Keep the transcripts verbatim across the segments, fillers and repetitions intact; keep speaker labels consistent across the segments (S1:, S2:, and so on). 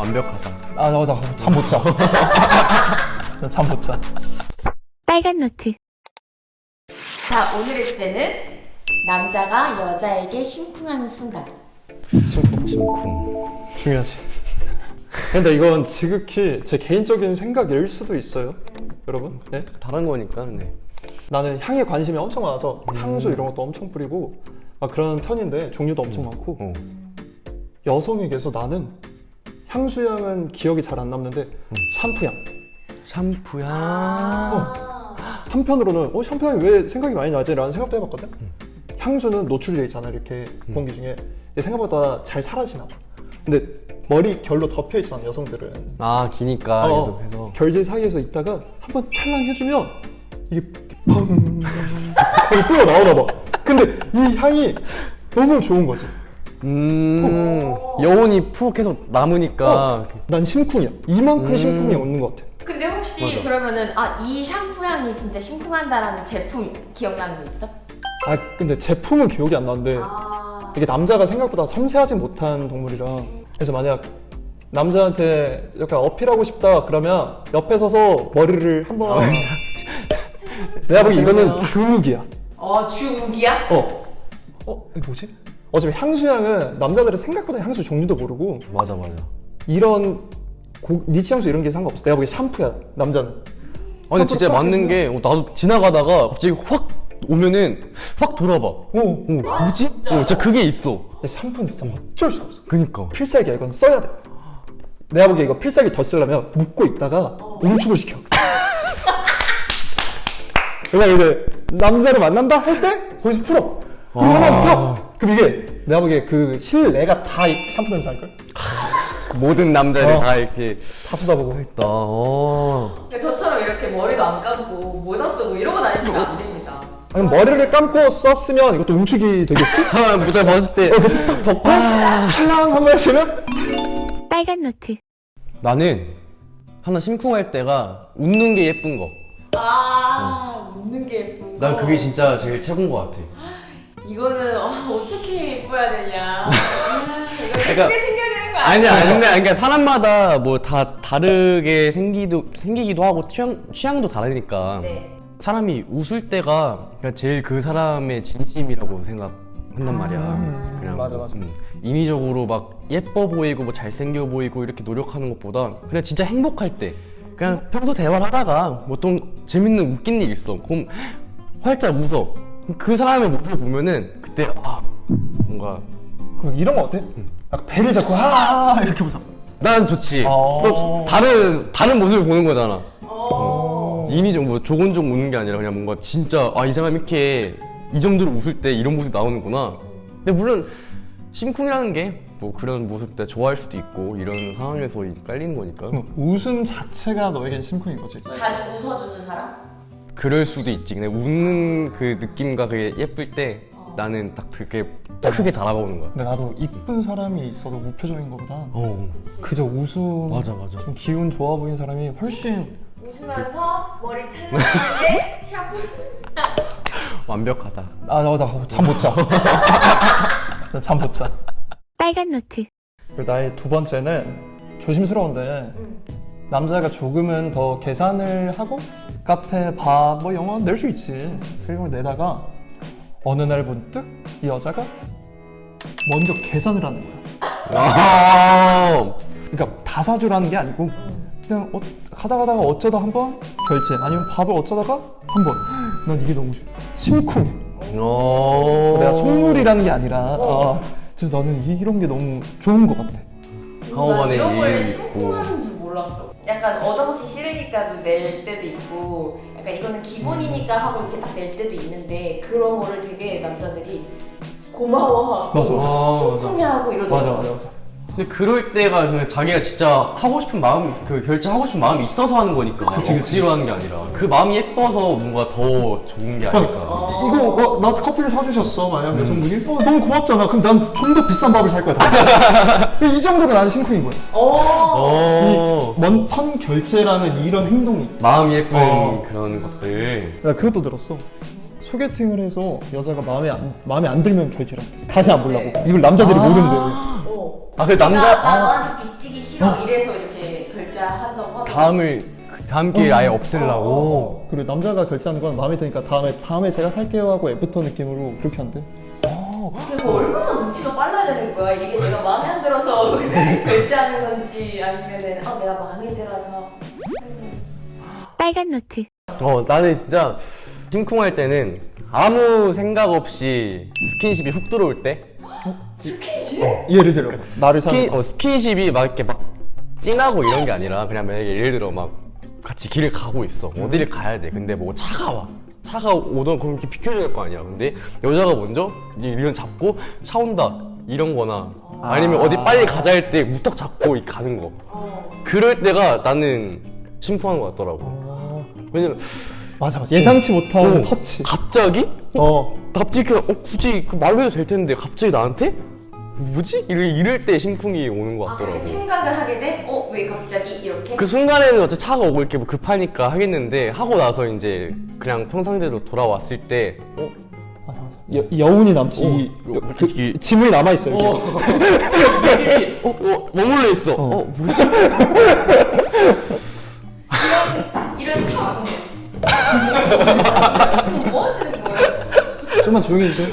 S1: 완벽하다.
S2: 아, 나, 나 잠 못 자. 나 잠 못 자.
S3: 빨간 노트.
S4: 자, 오늘의 주제는 남자가 여자에게 심쿵하는 순간.
S2: 심쿵.
S1: 심쿵.
S2: 중요하지. 근데 이건 지극히 제 개인적인 생각일 수도 있어요. 여러분. 네?
S1: 다른 거니까. 네.
S2: 나는 향에 관심이 엄청 많아서 향수 이런 것도 엄청 뿌리고 막 그런 편인데 종류도 엄청 많고
S1: 어.
S2: 여성에게서 나는 향수향은 기억이 잘 안 남는데 샴푸향.
S1: 샴푸야.
S4: 아.
S2: 한편으로는 어 샴푸향이 왜 생각이 많이 나지? 라는 생각도 해봤거든. 향수는 노출되어 있잖아 이렇게 공기 중에. 생각보다 잘 사라지나 봐. 근데 머리 결로 덮여 있어 여성들은.
S1: 아 기니까
S2: 어,
S1: 계속해서.
S2: 결제 사이에서 있다가 한번 찰랑 해주면 이게 펑 거기 뿌려 나오나 봐. 근데 이 향이 너무 좋은 거지.
S1: 음 여운이 푹 계속 남으니까.
S2: 어, 난 심쿵이야. 이만큼
S1: 음.
S2: 심쿵이 오는 것 같아.
S4: 근데 혹시
S1: 맞아.
S4: 그러면은 아, 이 샴푸 향이 진짜 심쿵한다라는 제품 기억나는 거 있어?
S2: 아 근데 제품은 기억이 안 나는데
S4: 아.
S2: 이게 남자가 생각보다 섬세하지 못한 동물이라 그래서 만약 남자한테 약간 어필하고 싶다 그러면 옆에 서서 머리를 한번 내가 보기 이거는 주무기야.
S4: 어, 주욱이야?
S2: 어. 어? 이게 뭐지? 어차피 향수향은 남자들은 생각보다 향수 종류도 모르고
S1: 맞아 맞아.
S2: 이런 고, 니치 향수 이런 게 상관없어. 내가 보기엔 샴푸야 남자는.
S1: 아 근데 진짜 맞는 게 어, 나도 지나가다가 갑자기 확 오면은 확 돌아봐. 어,
S2: 오.
S1: 뭐지? 어, 진짜 그게 있어.
S2: 근데 샴푸는 진짜 어쩔 수 없어.
S1: 그니까.
S2: 필살기야. 이건 써야 돼. 내가 보기에 이거 필살기 더 쓰려면 묶고 있다가 응축을 시켜. 그러니까 이제 남자를 만난다 할 때 거기서 풀어. 그럼
S1: 아.
S2: 하나 펴. 그럼 이게 내가 보기에 그 실내가 다 이 샴푸 냄새 날걸?
S1: 모든 남자를
S2: 어.
S1: 다 이렇게
S2: 다 쏟아보고.
S1: 나. 어.
S4: 그러니까 저처럼 이렇게 머리도 안 감고 모자 쓰고 이러고 다니시면 안 됩니다.
S2: 아니 머리를 감고 썼으면 이것도 응축이 되겠지?
S1: 아, 무대 벗을 때.
S2: 어, 그때 딱 덮고 찰랑 한번 하시면
S3: 빨간 노트.
S1: 나는 하나 심쿵할 때가 웃는 게 예쁜 거.
S4: 아, 웃는 게 예쁜 거.
S1: 난 그게 진짜 제일 최고인 것 같아.
S4: 이거는 어, 어떻게 예뻐야 되냐. 아, 이거 예쁘게
S1: 그러니까-
S4: 생겨야 되는 거 아니야?
S1: 아니야, 근데 그러니까 사람마다 뭐 다 다르게 생기도 생기기도 하고 취향 취향도 다르니까.
S4: 네.
S1: 사람이 웃을 때가 그러니까 제일 그 사람의 진심이라고 생각한단 말이야. 그냥
S2: 맞아,
S1: 뭐,
S2: 맞아.
S1: 음, 인위적으로 막 예뻐 보이고 뭐 잘생겨 보이고 이렇게 노력하는 것보다 그냥 진짜 행복할 때 그냥 평소 대화를 하다가 보통 재밌는 웃긴 일 있어. 그럼 활짝 웃어. 그 사람의 모습을 보면은 그때 아 뭔가
S2: 그럼 이런 거 어때? 약간 배를 잡고 아 이렇게 웃어.
S1: 난 좋지.
S2: 어.
S1: 또 다른 다른 모습을 보는 거잖아.
S4: 어.
S1: 인위적 뭐 조곤조곤 웃는 게 아니라 그냥 뭔가 진짜 아 이 사람이 이렇게 이 정도로 웃을 때 이런 모습이 나오는구나. 근데 물론 심쿵이라는 게 뭐 그런 모습 때 좋아할 수도 있고 이런 상황에서 깔리는 거니까
S2: 그럼 웃음 자체가 너에겐 심쿵인 거지.
S4: 자주 웃어주는 사람?
S1: 그럴 수도 있지. 근데 웃는 그 느낌과 그게 예쁠 때 나는 딱 그게 크게 달아오는 거야.
S2: 근데 나도 이쁜 사람이 있어도 무표정인 것보다
S1: 어
S2: 그저 웃음
S1: 맞아 맞아.
S2: 좀 기운 좋아 보이는 사람이 훨씬
S4: 웃으면서 머리 찰랑하게 샤프.
S1: 완벽하다.
S2: 아나잠 못 자. 나 잠 못 자.
S3: 빨간 노트.
S2: 그리고 나의 두 번째는 조심스러운데 남자가 조금은 더 계산을 하고 카페, 밥, 뭐 영화 낼 수 있지. 그리고 내다가 어느 날 문득 이 여자가 먼저 계산을 하는 거야.
S1: 아
S2: 그러니까 다 사주라는 게 아니고 그냥 어, 가다 가다가 어쩌다 한번 결제 아니면 밥을 어쩌다가 한번 난 이게 너무 좋아. 심쿵.
S1: 어.
S2: 내가 속물이라는 게 아니라 어. 진짜 나는 이런 게 너무 좋은 것 같아.
S1: 하오만의
S4: 이런 걸
S1: 일이
S4: 심쿵하는 줄 몰랐어. 약간 얻어먹기 싫으니까도 낼 때도 있고, 약간 이거는 기본이니까 하고 이렇게 딱 낼 때도 있는데 그런 거를 되게 남자들이 고마워하고
S2: 맞아, 맞아.
S1: 아,
S4: 심쿵해하고 이러더라고.
S2: 맞아 맞아 맞아.
S1: 근데 그럴 때가 그냥 자기가 진짜 하고 싶은 마음이 그 결제하고 싶은 마음이 있어서 하는 거니까
S2: 그치, 그치.
S1: 억지로 하는 게 아니라 그 마음이 예뻐서 뭔가 더 좋은 게 아닐까.
S2: 이거 어, 나 커피를 사주셨어 만약 여성분이 어, 너무 고맙잖아. 그럼 난 좀 더 비싼 밥을 살 거야. 이 정도로 난 심쿵인 거야.
S4: 어.
S1: 어.
S2: 먼 선 결제라는 이런 행동이.
S1: 마음이 예쁜
S2: 어.
S1: 그런 것들.
S2: 나 그것도 들었어. 소개팅을 해서 여자가 마음에 안 마음에 안 들면 결제를 한대. 다시 안 보려고. 이걸 남자들이
S4: 아.
S2: 모른대.
S4: 어. 어.
S1: 아, 그 남자-
S4: 나, 나
S1: 아.
S4: 너한테 빚지기 싫어 이래서 이렇게 결제한다고 하고.
S1: 다음을 그 다음 기회에 아예 없애려고.
S4: 어,
S2: 그리고 남자가 결제하는 건 마음에 드니까 다음에 다음에 제가 살게요 하고 애프터 느낌으로 그렇게 한대.
S4: 그리고 얼마나 눈치가 빨라야 되는 거야. 이게 내가 마음에 안 들어서 결제하는 건지 아니면은 어 내가 마음에 들어서 하는 건지.
S3: 빨간 노트.
S1: 어, 나는 진짜 심쿵할 때는 아무 생각 없이 스킨십이 훅 들어올 때.
S4: 스킨십?
S2: 예를 들어 나를
S1: 스킨,
S2: 사는
S1: 어, 스킨십이 막 이렇게 막 찡하고 이런 게 아니라 그냥 만약에 예를 들어 막 같이 길을 가고 있어. 어디를 가야 돼. 근데 뭐 차가 와. 차가 오던 그럼 이렇게 비켜줘야 될 거 아니야. 근데 여자가 먼저 이런 잡고 차 온다 이런 거나 아니면 어디 빨리 가자 할 때 무턱 잡고 이렇게 가는 거.
S4: 어.
S1: 그럴 때가 나는 심쿵한 것 같더라고.
S2: 어,
S1: 왜냐면
S2: 맞아 맞아 예상치 못한
S1: 어,
S2: 터치.
S1: 갑자기?
S2: 어
S1: 갑자기 그, 어, 굳이 그 말로 해도 될 텐데 갑자기 나한테? 뭐지? 이럴, 이럴 때 심쿵이 오는 것
S4: 아 그렇게
S1: 같더라고.
S4: 생각을 하게 돼? 어 왜 갑자기 이렇게?
S1: 그 순간에는 어차피 차가 오고 이렇게 뭐 급하니까 하겠는데 하고 나서 이제 그냥 평상대로 돌아왔을 때 어?
S2: 맞아 맞아 여, 여운이 남지.
S1: 어,
S2: 이,
S1: 어,
S2: 여- 그,
S1: 이게-
S2: 지문이 남아 있어요.
S1: 어,
S2: 이게.
S1: 어, 어, 머물러 있어. 어,
S2: 어.
S1: 뭐지?
S4: 이런 이런 차. 뭐 하시는 거예요?
S2: 좀만 조용히 해주세요.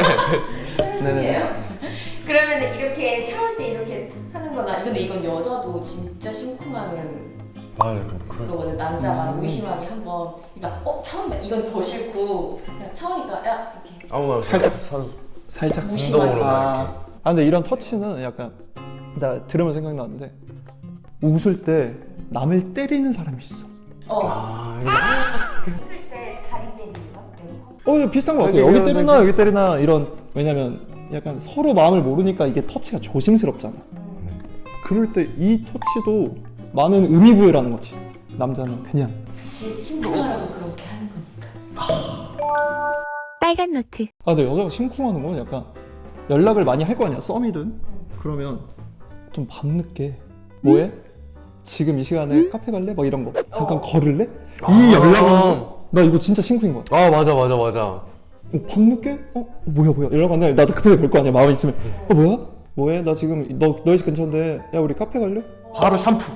S4: 네네. 그러면은 이렇게 참을 때 이렇게 하는 거나 근데 이건 여자도 진짜 심쿵하는
S1: 아, 그,
S4: 그거거든. 남자가 무의심하게 한번 그러니까 어 처음 이건 더 싫고 그냥 처음이니까 야 이렇게
S1: 아무나
S2: 살짝.
S1: 선,
S2: 살짝
S4: 무심하게.
S1: 운동으로
S2: 아,
S1: 막
S2: 아 근데 이런 터치는 약간 나 들으면 생각나는데 웃을 때 남을 때리는 사람이 있어.
S4: 어
S1: 아, 이거-
S4: 웃을 때 다리 때리는 거?
S2: 어 이거 비슷한 것 같아.
S1: 여기
S2: 여기
S1: 이런
S2: 때리나 여기 때리나 이런 왜냐면 약간 서로 마음을 모르니까 이게 터치가 조심스럽잖아. 그럴 때 이 터치도 많은 의미 부여라는 거지. 남자는 그냥
S4: 그치 심쿵하라고 그렇게 하는 거니까.
S3: 빨간 노트.
S2: 아 근데 여자가 심쿵하는 건 약간 연락을 많이 할 거 아니야. 썸이든 그러면 좀 밤늦게 뭐해? 지금 이 시간에 카페 갈래? 막 이런 거 잠깐
S4: 어.
S2: 걸을래?
S1: 아.
S2: 이 연락은 나 이거 진짜 심쿵인 거야.
S1: 아, 맞아, 맞아, 맞아.
S2: 어, 밤늦게? 어? 어, 뭐야 뭐야 연락 안 해. 나도 급하게 볼 거 아니야. 마음에 있으면 어 뭐야? 뭐해? 나 지금 너 너희 집 근처인데 야 우리 카페 갈래? 바로 샴푸.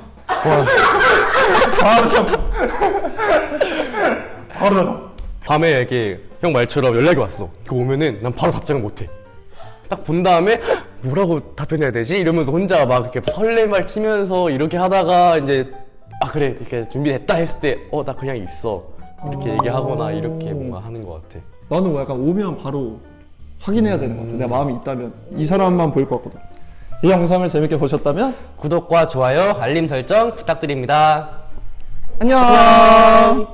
S2: 바로 샴푸. 바로 나가.
S1: 밤에 이렇게 형 말처럼 연락이 왔어. 그 오면은 난 바로 답장을 못해. 딱 본 다음에 뭐라고 답변해야 되지? 이러면서 혼자 막 이렇게 설레발 치면서 이렇게 하다가 이제 아 그래 이렇게 준비됐다 했을 때 어 나 그냥 있어 이렇게 얘기하거나 이렇게 뭔가 하는 것 같아.
S2: 나는 뭐 약간 오면 바로 확인해야 되는 것 같아. 내가 마음이 있다면 이 사람만 보일 것 같거든. 이 영상을 재밌게 보셨다면
S1: 구독과 좋아요, 알림 설정 부탁드립니다.
S2: 안녕.